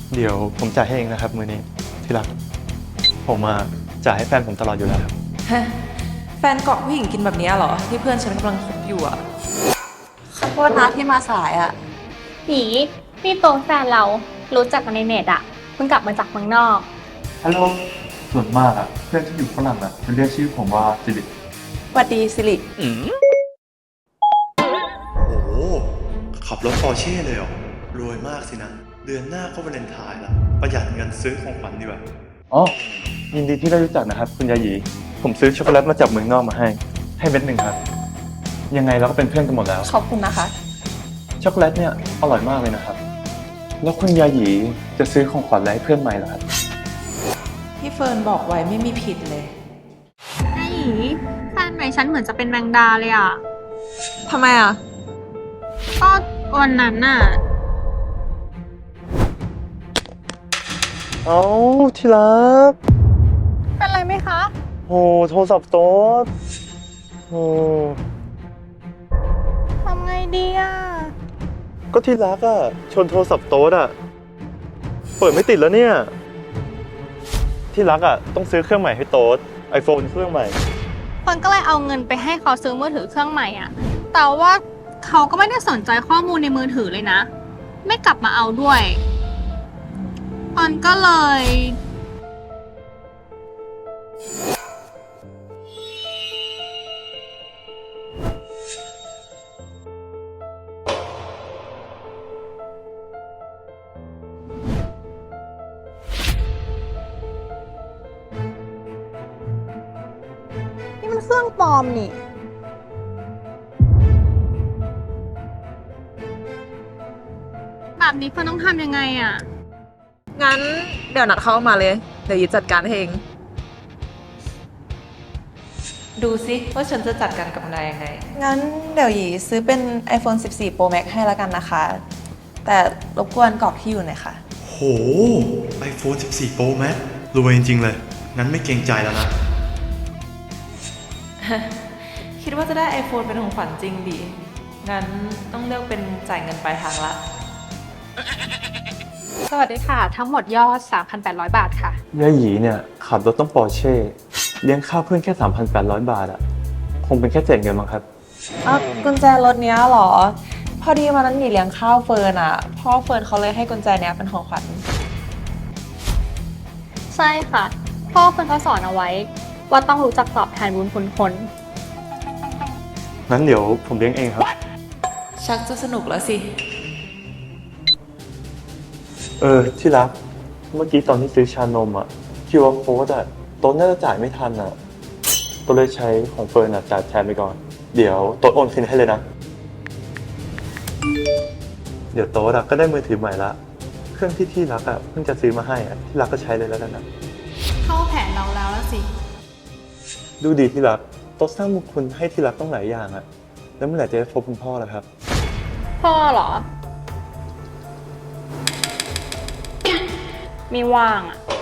เดี๋ยวผมจ่ายให้เองนะครับมื้อนี้ที่รักผมจ่ายให้แฟนผมตลอดอยู่แล้วครับฮะแฟนเกาะผู้หญิงกินแบบนี้เหรอที่เพื่อนฉันกำลังคบอยู่อะขอโทษนะที่มาสายอะผีนี่โตแฟนเรารู้จักกันในเน็ตอะเพิ่งกลับมาจากเมืองนอกฮัลโหลส่วนมากเพื่อนที่อยู่ฝรั่งจะเรียกชื่อผมว่าจิบิตสวัสดีสิริโอ้โหขับรถปอร์เช่เลยเหรอรวยมากสินะ เดือนหน้าก็วาเลนไทน์ละประหยัดเงินซื้อของขวัญดีกว่าอ๋อยินดีที่ได้รู้จักนะครับคุณยาหยีผมซื้อช็อกโกแลตมาจากเมืองนอกมาให้เม็ดหนึ่งครับ ยังไงเราก็เป็นเพื่อนกันหมดแล้วขอบคุณนะคะช็อกโกแลตเนี่ยอร่อยมากเลยนะครับ แล้วคุณยาหยีจะซื้อของขวัญอะไรให้เพื่อนใหม่เหรอครับที่เฟิร์นบอกไว้ไม่มีผิดเลยไอ้หยีแฟนใหม่ฉันเหมือนจะเป็นแมงดาเลยอะทำไมอะก็วันนั้นน่ะเอ้าที่รักเป็นไรไหมคะโหโทรศัพท์โต๊ดโหทำไงดีอะก็ที่รักชนโทรศัพท์โต๊ดเปิดไม่ติดแล้วเนี่ย ที่รักต้องซื้อเครื่องใหม่ให้โต๊ด iPhone เครื่องใหม่คนก็เลยเอาเงินไปให้เขาซื้อมือถือเครื่องใหม่อะแต่ว่าเขาก็ไม่ได้สนใจข้อมูลในมือถือเลยนะ ไม่กลับมาเอาด้วยคนก็เลยนี่มันเครื่องปลอมนี่แบบนี้เพื่อนต้องทำยังไงอะงั้นเดี๋ยวนัดเข้ามาเลย เดี๋ยวยีจัดการให้เองดูสิว่าฉันจะจัดการกับนายยังไงงั้นเดี๋ยวหยีซื้อเป็น iPhone 14 Pro Max ให้แล้วกันนะคะ แต่รบกวนกรอกที่อยู่หน่อยค่ะโห iPhone 14 Pro Max รวยจริงๆเลย งั้นไม่เกรงใจแล้วนะคิดว่าจะได้ iPhone เป็นของขวัญจริงดิงั้นต้องเลือกเป็นจ่ายเงินปลายทางละสวัสดีค่ะ ทั้งหมดยอด 3,800 บาทค่ะยาหยีเนี่ยขับรถต้องปอร์เช่เลี้ยงข้าวเพื่อนแค่ 3,800 บาทคงเป็นแค่เศษเงินมั้งครับกุญแจรถเนี้ยเหรอ พอดีวันนั้นหยีเลี้ยงข้าวเฟิร์นอะพ่อเฟิร์นเขาเลยให้กุญแจเนี้ยเป็นของขวัญใช่ค่ะ พ่อเพื่อนเขาสอนเอาไว้ ว่าต้องรู้จักตอบแทนบุญคุณคนงั้นเดี๋ยวผมเลี้ยงเองครับชักจะสนุกแล้วสิที่รัก เมื่อกี้ตอนที่ซื้อชานมQR code โต๊ะน่าจะจ่ายไม่ทันโต๊ะเลยใช้ของเฟิร์นจ่ายแทนไปก่อน เดี๋ยวโต๊ะโอนคืนให้เลยนะ เดี๋ยวโต๊ะก็ได้มือถือใหม่ละ เครื่องที่รักเพิ่งจะซื้อมาให้ที่รักก็ใช้เลยแล้วกันนะเข้าแผนเราแล้วสิดูดีที่รักโต๊ะสร้างบุญคุณให้ที่รักต้องหลายอย่างแล้วเมื่อไหร่จะได้พบคุณพ่อล่ะครับพ่อเหรอ ไม่ว่างอะ